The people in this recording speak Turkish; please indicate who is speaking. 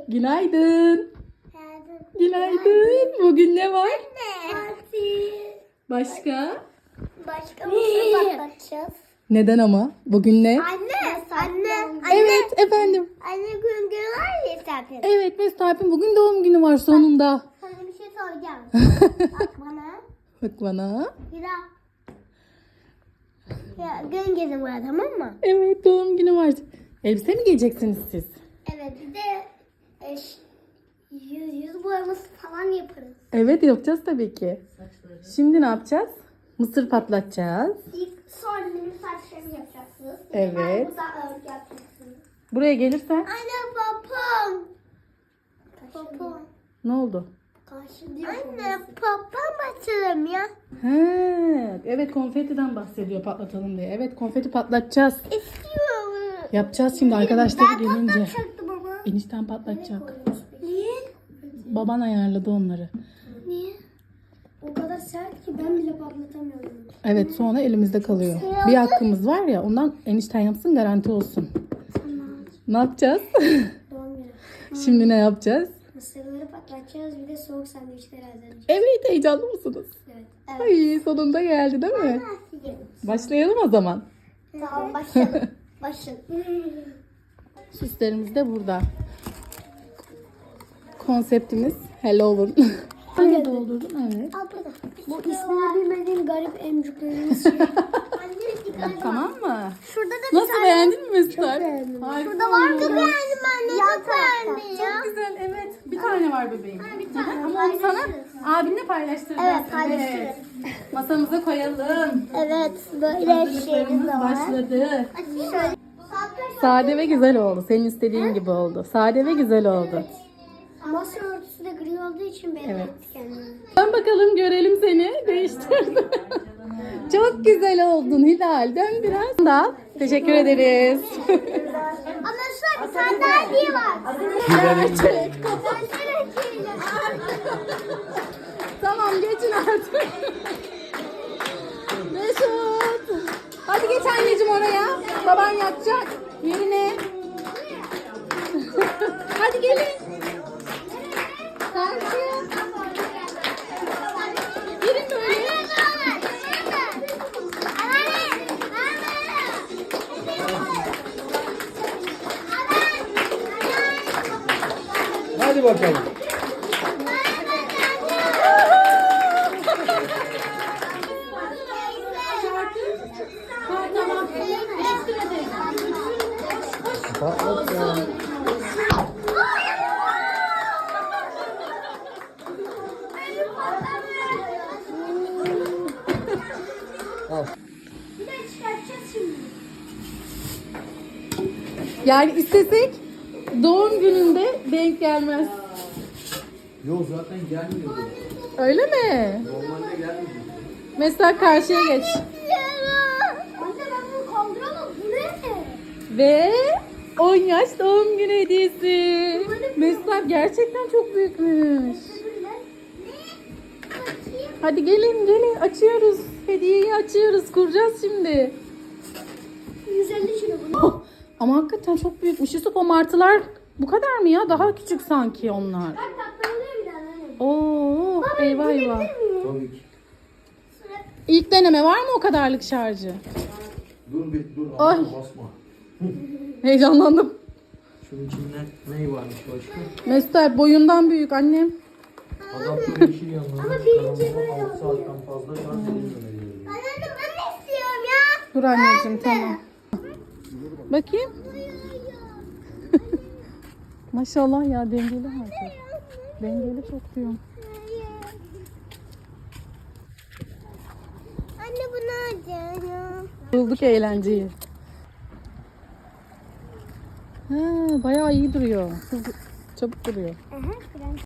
Speaker 1: Günaydın. Günaydın. Bugün ne var?
Speaker 2: Tatil.
Speaker 1: Başka?
Speaker 2: Başka mısır patlatacağız.
Speaker 1: Neden ama? Bugün ne?
Speaker 2: Anne.
Speaker 1: Evet efendim.
Speaker 2: Anne gün var ya zaten.
Speaker 1: Evet Mesut'un bugün doğum günü var sonunda.
Speaker 2: Sana bir şey soracağım. Bak bana.
Speaker 1: Bak bana.
Speaker 2: Hira. Ya gün gezim var, tamam mı?
Speaker 1: Evet doğum günü var. Elbise mi giyeceksiniz siz?
Speaker 2: Evet, bir de yüz boyaması falan yaparız.
Speaker 1: Evet yapacağız tabii ki. Şimdi ne yapacağız? Mısır patlatacağız.
Speaker 2: Sonra benim saçlarımı yapacaksınız.
Speaker 1: Evet.
Speaker 2: Burada örgü yapacaksınız.
Speaker 1: Buraya gelirsen
Speaker 2: Anne babam. Babam.
Speaker 1: ne oldu?
Speaker 2: Anne babam açalım ya.
Speaker 1: He, evet konfetiden bahsediyor patlatalım diye. Evet konfeti patlatacağız.
Speaker 2: İstiyorum.
Speaker 1: Yapacağız şimdi arkadaşlar gelince.
Speaker 2: Patlatacaktım ama.
Speaker 1: Enişten patlatacak.
Speaker 2: Niye?
Speaker 1: Baban ayarladı onları.
Speaker 2: Niye? O kadar sert ki ben bile patlatamıyorum.
Speaker 1: Evet sonra elimizde kalıyor. Bir hakkımız var ya ondan enişten yapsın garanti olsun.
Speaker 2: Tamam.
Speaker 1: Ne yapacağız?
Speaker 2: Doğum günü.
Speaker 1: Şimdi ne yapacağız?
Speaker 2: Mısırları patlatacağız, bir de soğuk sandviçler hazırlayacağız.
Speaker 1: Evet heyecanlı mısınız?
Speaker 2: Evet.
Speaker 1: Ay sonunda geldi değil mi? Başlayalım o zaman.
Speaker 2: Tamam başlayalım. Başlayalım.
Speaker 1: Süslerimiz de burada. Konseptimiz Halloween. Anne doldurdun evet.
Speaker 2: Al burada. Bu ismini bilmediğim garip emcüklerimiz şey.
Speaker 1: Tamam mı?
Speaker 2: Şurada da bir
Speaker 1: Nasıl
Speaker 2: tane.
Speaker 1: beğendin mi Mesut?
Speaker 2: beğendim.
Speaker 1: Harika
Speaker 2: Şurada var
Speaker 1: olmuş.
Speaker 2: mı? Beğendim anne. Çok beğendim ya.
Speaker 1: Çok güzel evet. Bir tane var bebeğim.
Speaker 2: Bir tane.
Speaker 1: Ama onu sana abinle paylaştıracağız.
Speaker 2: Evet, paylaştırırız.
Speaker 1: Masamıza koyalım.
Speaker 2: Evet, böyle şeyimiz
Speaker 1: Hazırlıklarımız
Speaker 2: de var.
Speaker 1: başladı.
Speaker 2: Şöyle.
Speaker 1: Sade ve güzel oldu. Senin istediğin gibi oldu. Sade ve güzel oldu.
Speaker 2: Masa örtüsü de gri olduğu için belli
Speaker 1: Evet.
Speaker 2: etti kendini.
Speaker 1: Dön bakalım görelim seni. Değiştirdim. Çok güzel oldun Hilal. Dön biraz daha. Teşekkür ederiz.
Speaker 2: Ama şu bir sandalye var.
Speaker 1: Gerçek.
Speaker 2: Sandalye.
Speaker 1: Tamam geçin artık. Mesut. Hadi geç anneciğim oraya. Baban yatacak. Yerine. Hadi gelin. Karşıya. Gelin böyle.
Speaker 3: Hadi bakalım.
Speaker 1: Ha, tamam. Değiştir hadi.
Speaker 3: Patlat ya. Al.
Speaker 2: Bir de çıkartacağız şimdi.
Speaker 1: Yani istesek doğum gününde denk gelmez.
Speaker 3: Yok zaten gelmiyor.
Speaker 1: Öyle mi?
Speaker 3: Normalde gelmiyor.
Speaker 1: Mesela karşıya geç.
Speaker 2: Anne ben bunu kaldıramam. Bu ne?
Speaker 1: Ve 10 yaş doğum günü hediyesi. Mesela gerçekten çok büyükmüş. Hadi gelin açıyoruz. Hediyeyi açıyoruz. Kuracağız şimdi.
Speaker 2: 150 kilo bu.
Speaker 1: Ama hakikaten çok büyükmüş. Yusuf o martılar bu kadar mı ya? Daha küçük sanki onlar.
Speaker 2: Bak katlanıyor bir tane.
Speaker 1: Oo, eyvah eyvah.
Speaker 3: Tabii ki.
Speaker 1: İlk deneme var mı o kadarlık şarjı?
Speaker 3: Dur.
Speaker 1: Ay.
Speaker 3: Ay. Basma.
Speaker 1: Heyecanlandım.
Speaker 3: Şunun içinde ne varmış başka?
Speaker 1: Mesut abi boyundan büyük annem.
Speaker 3: Adaptör yeşil yanına.
Speaker 2: Ama birinci böyle
Speaker 3: 6 saatten fazla şarj edilmemeli.
Speaker 2: Anne ben de istiyorum ya.
Speaker 1: Dur anneciğim tamam. Bakayım. Maşallah ya dengeli hareket. Dengeli çok diyorum.
Speaker 2: Anne bunu alacağım.
Speaker 1: Bulduk eğlenceyi. Ha, bayağı iyi duruyor. Çabuk duruyor.
Speaker 2: Aha,